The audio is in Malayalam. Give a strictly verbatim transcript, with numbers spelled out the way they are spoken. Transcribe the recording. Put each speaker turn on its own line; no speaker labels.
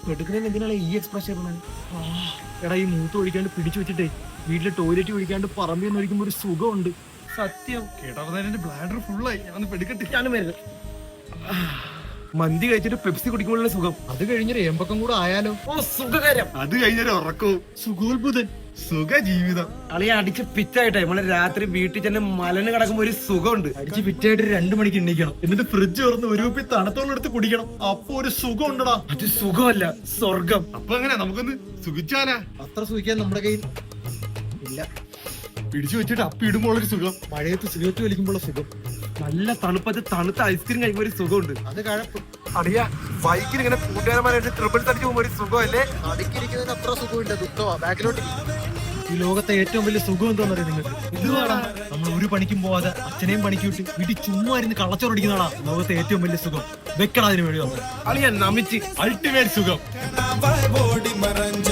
എടുക്കുന്നതിന് എന്തിനാണ് ഈ എക്സ്പ്രഷൻ പറഞ്ഞത്? എടാ ഈ മൂത്ത് ഒഴിക്കാണ്ട് പിടിച്ചു വെച്ചിട്ടേ വീട്ടില് ടോയ്ലറ്റ് ഒഴിക്കാണ്ട് പറമ്പിൽ ഒഴിക്കുമ്പോ ഒരു സുഖമുണ്ട്. സത്യം
കേട്ടവരുടെ ബ്ലാഡർ ഫുള്ളായി. ഞാൻ പെടുക്കട്ടെ.
ഞാനും വരുന്നത്. മന്തി കഴിച്ചിട്ട് പെപ്സി കുടിക്കുമ്പോഴുള്ള സുഖം, അത് കഴിഞ്ഞൊരു ഏമ്പക്കം കൂടെ ആയാലോ. ഓ സുഖകരം.
അത് കഴിഞ്ഞൊരു ഉറക്കവും
സുഖോത്ഭുതൻ.
സുഖ ജീവിതം.
അളിയെ അടിച്ച് പിറ്റായിട്ടെ നമ്മള് രാത്രി വീട്ടിൽ ചെന്ന് മലന് കിടക്കുമ്പോ ഒരു സുഖമുണ്ട്. അടിച്ച് പിറ്റായിട്ട് രണ്ടു മണിക്ക് എണ്ണിക്കണം, എന്നിട്ട് ഫ്രിഡ്ജ് തുറന്ന് ഒരു കുപ്പി തണുത്തോളം എടുത്ത് കുടിക്കണം. അപ്പൊ ഒരു സുഖം ഉണ്ടടാ. അത് സുഖമല്ല, സ്വർഗം.
അപ്പൊ എങ്ങനെ നമുക്കൊന്ന് സുഖിച്ചാലാ?
അത്ര സുഖിക്കാൻ നമ്മുടെ കയ്യിൽ ഇല്ല.
പിടിച്ചു വെച്ചിട്ട് അപ്പി ഇടുമ്പോൾ ഒരു സുഖം,
മഴയത്ത് സിഗരറ്റ് വലിക്കുമ്പോൾ സുഖം, നല്ല തണുപ്പത്ത് തണുത്ത ഐസ്ക്രീം കഴിക്കുമ്പോൾ ഒരു സുഖമുണ്ട്. അത് കഴപ്പ്.
അറിയാ ബൈക്കിൽ ഇങ്ങനെ കൂട്ടുകാരന്മാരായിട്ട് ട്രിപ്പിൾ തടിച്ചു പോകുമ്പോ ഒരു സുഖമല്ലേ?
അടുക്കിരിക്കുന്നതിന് അത്ര സുഖമില്ല, ദുഃഖമാ. ബാക്കിലോട്ട് ഈ ലോകത്തെ ഏറ്റവും വലിയ സുഖം എന്താണെന്ന് അറിയാം നിങ്ങൾക്ക്? ഇതുവാടാ, നമ്മൾ ഒരു പണിക്കും പോവാതെ അച്ഛനെയും പണിക്ക് വിട്ട് വീട്ടിൽ ചുമ്മാ ഇരുന്ന് കള്ളച്ചോറടിക്കുന്നതാടാ ലോകത്തെ ഏറ്റവും വലിയ സുഖം. വെക്കടാ അതിന് വേണ്ടി വന്നത്. അളിയാ നമിച്ച് അൾട്ടിമേറ്റ് സുഖം.